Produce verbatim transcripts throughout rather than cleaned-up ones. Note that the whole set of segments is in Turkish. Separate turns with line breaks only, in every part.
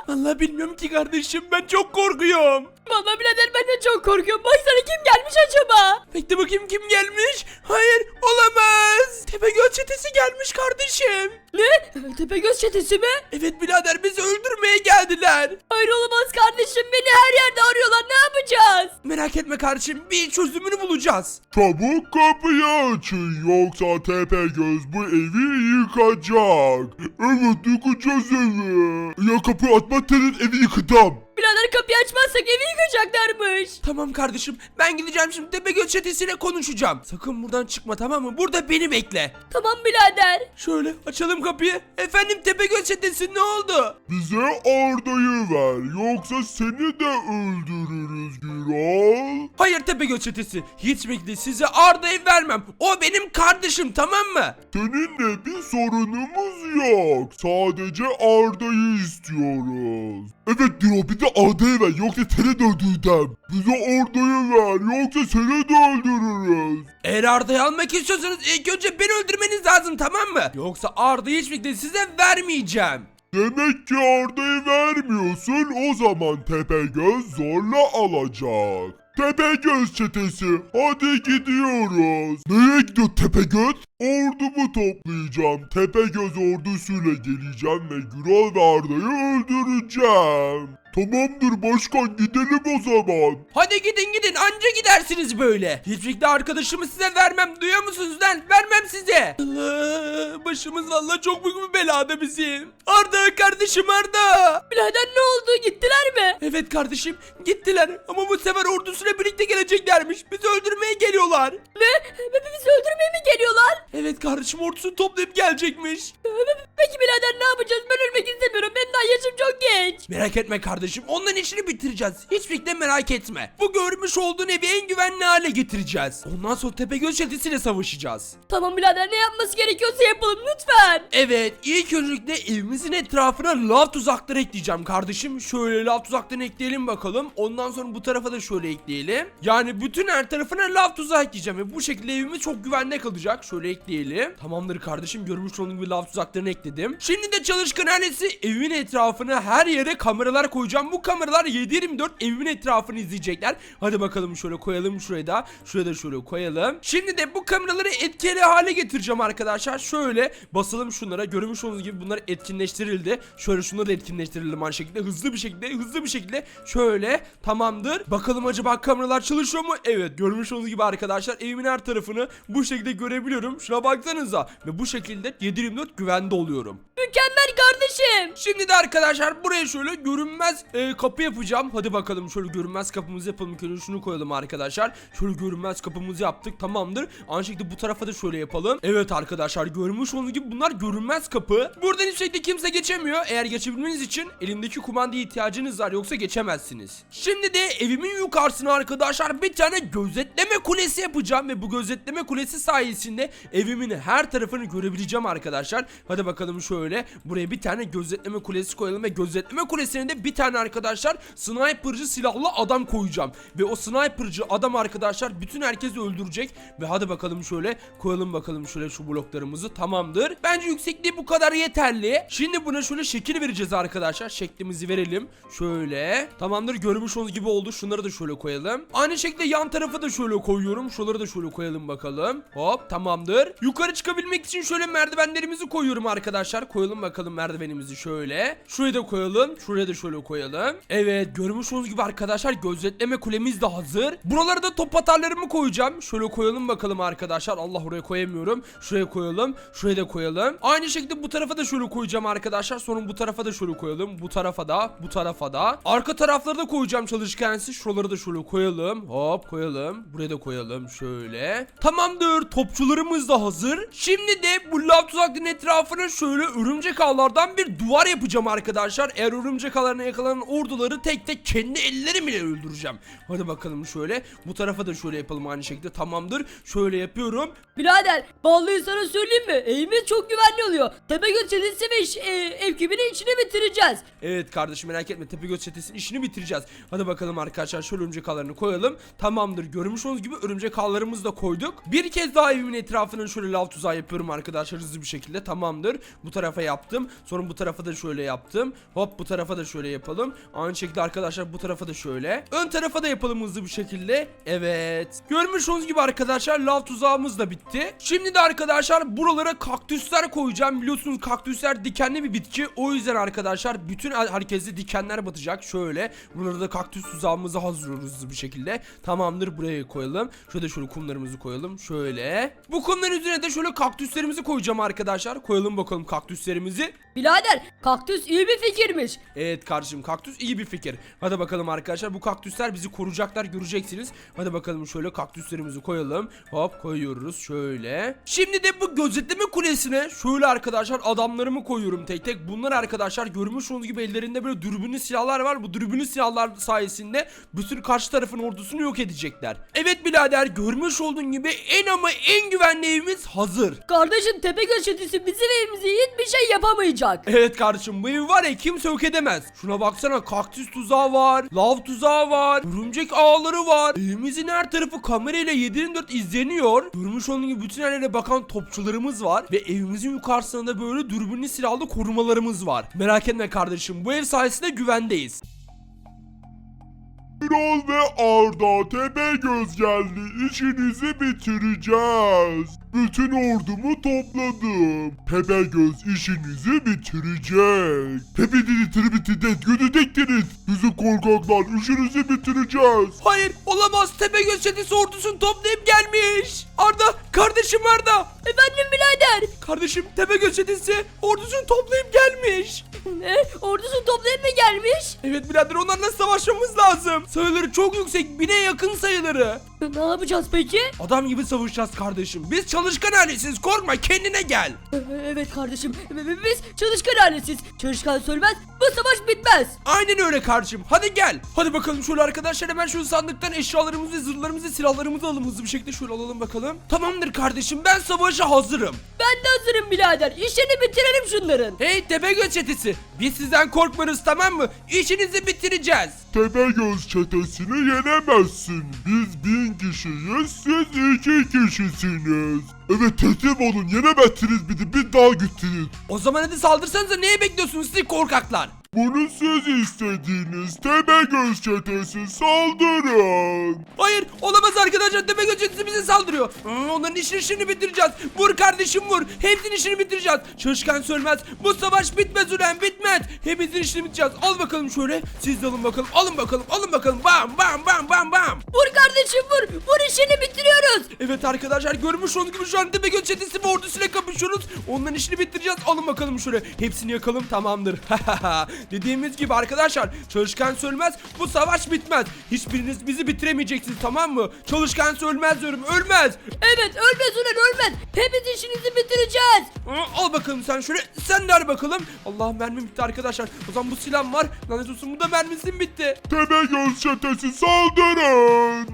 Vallahi bilmiyorum ki kardeşim, ben çok korkuyorum.
Vallahi birader ben de çok korkuyorum. Baksana kim gelmiş acaba?
Bekle bakayım, kim gelmiş? Hayır, olamaz. Tepegöz çetesi gelmiş kardeşim.
Ne? Tepegöz çetesi mi?
Evet birader, bizi öldürmeye geldiler.
Hayır olamaz kardeşim. Beni her yerde arıyorlar. Ne yapacağız?
Merak etme kardeşim, bir çözümünü bulacağız.
Çabuk kapıyı açın yoksa Tepegöz bu evi yıkacak. Evet yıkacağız evi. Ya kapıyı atmazsanız evi yıkacağım.
Birader kapıyı açmazsak evi yıkacaklarmış.
Tamam kardeşim, ben gideceğim şimdi Tepegöz çetesiyle konuşacağım. Sakın buradan çıkma, tamam mı? Burada beni bekle.
Tamam birader.
Şöyle açalım kapıyı. Efendim Tepegöz çetesi, ne oldu?
Bize Arda'yı ver yoksa seni de öldürürüz Gürol.
Hayır Tepegöz çetesi, hiç bekle, size Arda'yı vermem. O benim kardeşim, tamam mı?
Seninle bir sorunumuz yok. Sadece Arda'yı istiyoruz. Evet Gürol, bir de Arda'yı ver yoksa seni de öldüreceğim. Bize Arda'yı ver yoksa seni de öldürürüz.
Eğer Arda'yı almak istiyorsanız ilk önce beni öldürmeniz lazım, tamam mı? Yoksa Arda'yı hiç bekle, size vermeyeceğim.
Demek ki Arda'yı vermiyorsun, o zaman Tepegöz zorla alacak. Tepegöz çetesi, hadi gidiyoruz. Nereye gidiyor Tepegöz? Ordumu toplayacağım. Tepegöz ordusuyla geleceğim ve Gürol ve Arda'yı öldüreceğim. Tamamdır başkan, gidelim o zaman.
Hadi gidin gidin, anca gidersiniz böyle. Hiçbir şekilde arkadaşımı size vermem, duyuyor musunuz lan? Vermem size. Allah, başımız vallahi çok büyük bir belada bizim. Arda kardeşim, Arda.
Birader ne oldu? Gittiler mi?
Evet kardeşim, gittiler ama bu sefer ordusuyla birlikte geleceklermiş. Bizi öldürmeye geliyorlar.
Ne? Bizi öldürmeye mi geliyorlar?
Evet kardeşim, ordusunu toplayıp gelecekmiş.
Peki birader ne yapacağız? Ben ölmek istemiyorum. Benim daha yaşım çok genç.
Merak etme kardeşim, onların işini bitireceğiz. Hiçbir merak etme. Bu görmüş olduğun evi en güvenli hale getireceğiz. Ondan sonra Tepegöz çetesiyle savaşacağız.
Tamam birader, ne yapması gerekiyorsa yapalım lütfen.
Evet, ilk öncelikle evimizin etrafına lav tuzakları ekleyeceğim kardeşim. Şöyle lav tuzaklarını ekleyelim bakalım. Ondan sonra bu tarafa da şöyle ekleyelim. Yani bütün her tarafına lav tuzağı ekleyeceğim ve bu şekilde evimiz çok güvenli kalacak. Şöyle ekleyelim. Tamamdır kardeşim, görmüş olduğunuz gibi lav tuzaklarını ekledim. Şimdi de çalışkan ailesi, evimin etrafına her yere kameralar koyacağım. Bu kameralar yedi yirmi dört evimin etrafını izleyecekler. Hadi bakalım, şöyle koyalım şuraya da. Şuraya da şöyle koyalım. Şimdi de bu kameraları etkili hale getireceğim arkadaşlar. Şöyle basalım şunlara. Görmüş olduğunuz gibi bunlar etkinleştirildi. Şöyle şunları da etkinleştirelim aynı şekilde. Hızlı bir şekilde, hızlı bir şekilde. Şöyle, tamamdır. Bakalım acaba kameralar çalışıyor mu? Evet, görmüş olduğunuz gibi arkadaşlar evimin her tarafını bu şekilde görebiliyorum. Şuna baksanıza. Ve bu şekilde yedi yirmi dört güvende oluyorum.
Mükemmel kardeşim.
Şimdi de arkadaşlar buraya şöyle görünmez e, kapı yapacağım. Hadi bakalım, şöyle görünmez kapımızı yapalım. Şöyle şunu koyalım arkadaşlar. Şöyle görünmez kapımızı yaptık, tamamdır. Aynı şekilde bu tarafa da şöyle yapalım. Evet arkadaşlar, görmüş olduğunuz gibi bunlar görünmez kapı. Buradan hiçbir şekilde kimse geçemiyor. Eğer geçebilmeniz için elimdeki kumandaya ihtiyacınız var, yoksa geçemezsiniz. Şimdi de evimin yukarısına arkadaşlar bir tane gözetleme kulesi yapacağım ve bu gözetleme kulesi sayesinde evimin her tarafını görebileceğim arkadaşlar. Hadi bakalım, şöyle buraya bir tane gözetleme kulesi koyalım ve gözetleme kulesine de bir tane arkadaşlar sniperci silahlı adam koyacağım. Ve o sniperci adam arkadaşlar bütün herkesi öldürecek. Ve hadi bakalım, şöyle koyalım bakalım şöyle şu bloklarımızı, tamamdır. Bence yüksekliği bu kadar yeterli. Şimdi buna şöyle şekil vereceğiz arkadaşlar. Şeklimizi verelim. Şöyle, tamamdır, görmüş olduğunuz gibi oldu. Şunları da şöyle koyalım. Aynı şekilde yan tarafı da şöyle koyuyorum. Şuraları da şöyle koyalım bakalım. Hop, tamamdır. Yukarı çıkabilmek için şöyle merdivenlerimizi koyuyorum arkadaşlar. Koyalım bakalım merdivenimizi şöyle. Şuraya da koyalım. Şuraya da şöyle koyalım. Evet, görmüş olduğunuz gibi arkadaşlar gözetleme kulemiz de hazır. Buralara da top atarlarımı koyacağım. Şöyle koyalım bakalım arkadaşlar. Allah, oraya koyamıyorum. Şuraya koyalım. Şuraya da koyalım. Aynı şekilde bu tarafa da şöyle koyacağım arkadaşlar. Sonra bu tarafa da şöyle koyalım. Bu tarafa da, bu tarafa da. Arka tarafları da koyacağım çalışkansı. Şuraları da şöyle koyalım. Hop, koyalım. Buraya da koyalım şöyle. Tamamdır. Topçularımız da hazır. Şimdi de bu lav tuzakların etrafına şöyle örümcek ağlardan bir duvar yapacağım arkadaşlar. Eğer örümcek ağlarına yakalanan orduları tek tek kendi ellerimle öldüreceğim. Hadi bakalım, şöyle bu tarafa da şöyle yapalım aynı şekilde, tamamdır. Şöyle yapıyorum.
Birader vallahi sana söyleyeyim mi? Evimiz çok güvenli oluyor. Tepegöz çetesi ve iş, e, ev kibinin içini bitireceğiz.
Evet kardeşim, merak etme, Tepegöz çetesinin işini bitireceğiz. Hadi bakalım arkadaşlar, şöyle örümcek ağlarını koyalım. Tamamdır, görmüş olduğunuz gibi örümcek ağlarımızı da koyduk. Bir kez daha evimin etrafına şöyle lav tuzağı yapıyorum arkadaşlar, hızlı bir şekilde, tamamdır. Bu tarafa yaptım. Sonra bu tarafa da şöyle yaptım. Hop, bu tarafa tarafa da şöyle yapalım. Aynı şekilde arkadaşlar bu tarafa da şöyle. Ön tarafa da yapalım hızlı bir şekilde. Evet. Görmüş olduğunuz gibi arkadaşlar lav tuzağımız da bitti. Şimdi de arkadaşlar buralara kaktüsler koyacağım. Biliyorsunuz kaktüsler dikenli bir bitki. O yüzden arkadaşlar bütün herkese dikenler batacak. Şöyle. Buralara da kaktüs tuzağımızı hazırlıyoruz hızlı bir şekilde. Tamamdır, buraya koyalım. Şöyle şöyle kumlarımızı koyalım. Şöyle. Bu kumların üzerine de şöyle kaktüslerimizi koyacağım arkadaşlar. Koyalım bakalım kaktüslerimizi.
Birader kaktüs iyi bir fikirmiş.
Evet kardeşim, kaktüs iyi bir fikir. Hadi bakalım arkadaşlar, bu kaktüsler bizi koruyacaklar, göreceksiniz. Hadi bakalım şöyle kaktüslerimizi koyalım. Hop koyuyoruz şöyle. Şimdi de bu gözetleme kulesine şöyle arkadaşlar adamlarımı koyuyorum tek tek. Bunlar arkadaşlar görmüş olduğunuz gibi ellerinde böyle dürbünlü silahlar var. Bu dürbünlü silahlar sayesinde bütün karşı tarafın ordusunu yok edecekler. Evet birader, görmüş olduğun gibi en ama en güvenli evimiz hazır.
Kardeşim Tepegöz çetesi bizim evimize hiçbir şey yapamayacak.
Evet kardeşim, bu evi var ya kimse yok edemez. Şuna baksana, kaktüs tuzağı var, lav tuzağı var, örümcek ağları var. Evimizin her tarafı kamerayla yedi yirmi dört izleniyor. Görmüş olduğunuz gibi bütün yerlere bakan topçularımız var. Ve evimizin yukarısında da böyle dürbünlü silahlı korumalarımız var. Merak etme kardeşim, bu ev sayesinde güvendeyiz.
Birol ve Arda Tepegöz geldi. İşinizi bitireceğiz. Bütün ordumu topladım. Tepegöz işinizi bitirecek. Tepedini tribitidet gödecektiniz. Bizi korkaklar, işinizi bitireceğiz.
Hayır olamaz, Tepegöz çetesi ordusunu toplayıp gelmiş. Arda, kardeşim Arda.
Efendim birader.
Kardeşim, Tepegöz çetesi ordusunu toplayıp gelmiş.
Ne? Ordusunu toplayıp mı gelmiş?
Evet birader, onlarla savaşmamız lazım. Sayıları çok yüksek, bine yakın sayıları.
Ne yapacağız peki?
Adam gibi savaşacağız kardeşim. Biz çalışkan ailesiz, korkma, kendine gel.
Ee, Evet kardeşim. Biz çalışkan ailesiz. Çalışkan sölmez. Bu savaş bitmez.
Aynen öyle kardeşim. Hadi gel. Hadi bakalım şöyle arkadaşlar, hemen şu sandıktan eşyalarımızı, zırhlarımızı, silahlarımızı alalım hızlı bir şekilde, şöyle alalım bakalım. Tamamdır kardeşim, ben savaşa hazırım.
Ben de hazırım birader. İşini bitirelim şunların.
Hey Tepegöz çetesi, biz sizden korkmanız, tamam mı? İşinizi bitireceğiz.
Tepegöz çetesini yenemezsin. Biz bin kişiyiz, siz iki kişisiniz. Evet, teslim olun, yenemezsiniz bizi, bir daha gittiniz.
O zaman hadi saldırsanıza, neye bekliyorsunuz siz korkaklar?
Bunu siz istediğiniz Tepegöz çetesi, saldırın.
Hayır olamaz arkadaşlar, Tepegöz çetesi bize saldırıyor. Aa, onların işini işini bitireceğiz. Vur kardeşim vur. Hepsinin işini bitireceğiz. Çalışkan sölmez. Bu savaş bitmez ulan, bitmez. Hepimizin işini bitireceğiz. Al bakalım şöyle. Siz de alın bakalım. Alın bakalım. Alın bakalım. Bam bam bam bam bam.
Vur kardeşim vur. Vur işini bitiriyoruz.
Evet arkadaşlar, görmüş olduğunuz gibi şu an Tepegöz çetesi ve ordusuyla kapışıyoruz. Onların işini bitireceğiz. Alın bakalım şöyle. Hepsini yakalım, tamamdır. Dediğimiz gibi arkadaşlar, çalışkan sölmez, bu savaş bitmez. Hiçbiriniz bizi bitiremeyeceksiniz, tamam mı? Çalışkan sölmez diyorum, ölmez.
Evet ölmez ulan ölmez. Hepiniz işinizi bitireceğiz.
Aa, al bakalım sen şöyle, sen de al bakalım. Allah'ım mermim bitti arkadaşlar. O zaman bu silahım var. Lanet olsun, bu da mermisim bitti.
Tepegöz çetesi, saldırın.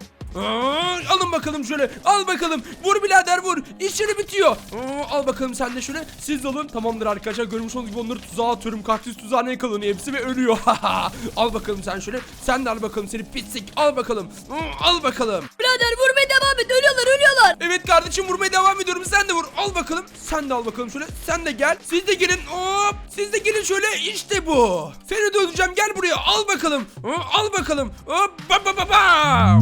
Aa, alın bakalım şöyle, al bakalım, vur birader vur, işleri bitiyor. Aa, al bakalım sen de şöyle, siz de alın. Tamamdır arkadaşlar, görmüş olduğunuz gibi onları tuzağa atıyorum, kaktüs tuzağına yakalanıyor hepsi ve ölüyor. Al bakalım sen şöyle, sen de al bakalım seni pislik, al bakalım. Aa, al bakalım.
Birader vurmaya devam et. Ölüyorlar ölüyorlar.
Evet kardeşim, vurmaya devam ediyorum, sen de vur, al bakalım. Sen de al bakalım şöyle, sen de gel, siz de gelin, hop, siz de gelin şöyle, işte bu. Seni de öldüreceğim, gel buraya, al bakalım. Aa, al bakalım, hop, ba ba ba ba.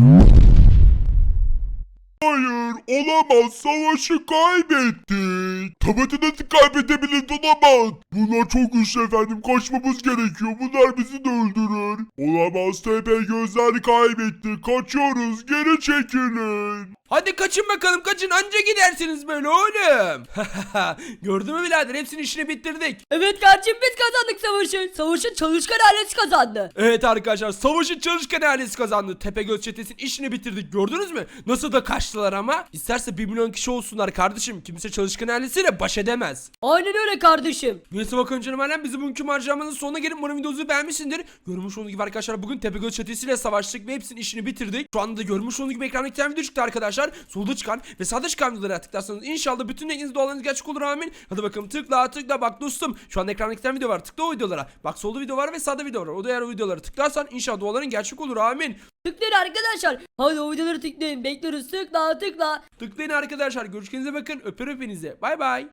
Hayır, olamaz, savaşı kaybettik. Tabii nasıl kaybedebiliriz, olamaz. Bunlar çok güçlü efendim, kaçmamız gerekiyor. Bunlar bizi de öldürür. Olamaz, Tepegözler kaybetti. Kaçıyoruz, geri çekilin.
Hadi kaçın bakalım, kaçın, anca gidersiniz böyle oğlum. Gördün mü birader, hepsinin işini bitirdik.
Evet kardeşim biz kazandık savaşı. Savaşın çalışkan ailesi kazandı.
Evet arkadaşlar, savaşın çalışkan ailesi kazandı. Tepegöz çetesinin işini bitirdik, gördünüz mü? Nasıl da kaçtılar ama. İsterse bir milyon kişi olsunlar kardeşim, kimse çalışkan ailesiyle baş edemez.
Aynen öyle kardeşim.
Neyse bakalım canım alem, bizim bugünkü harcamanın sonuna gelip umarım videomuzu beğenmişsindir. Görmüş olduğunuz gibi arkadaşlar, bugün Tepegöz çetesiyle savaştık ve hepsinin işini bitirdik. Şu anda da görmüş olduğunuz gibi ekranda iki tane video çıktı arkadaşlar. Solda çıkan ve sağda çıkan videolara tıklarsanız inşallah bütün dilekleriniz, dualarınız gerçek olur, amin. Hadi bakalım, tıkla tıkla, bak dostum, şu anda ekranda iki tane video var, tıkla o videolara. Bak solda video var ve sağda video var. O da eğer o videolara tıklarsan inşallah duaların gerçek olur, amin.
Tıklayın arkadaşlar. Hadi o videoları tıklayın. Bekliyoruz. Tıkla tıkla.
Tıklayın arkadaşlar, görüşürüz, bakın, öper öpenize, bay bay.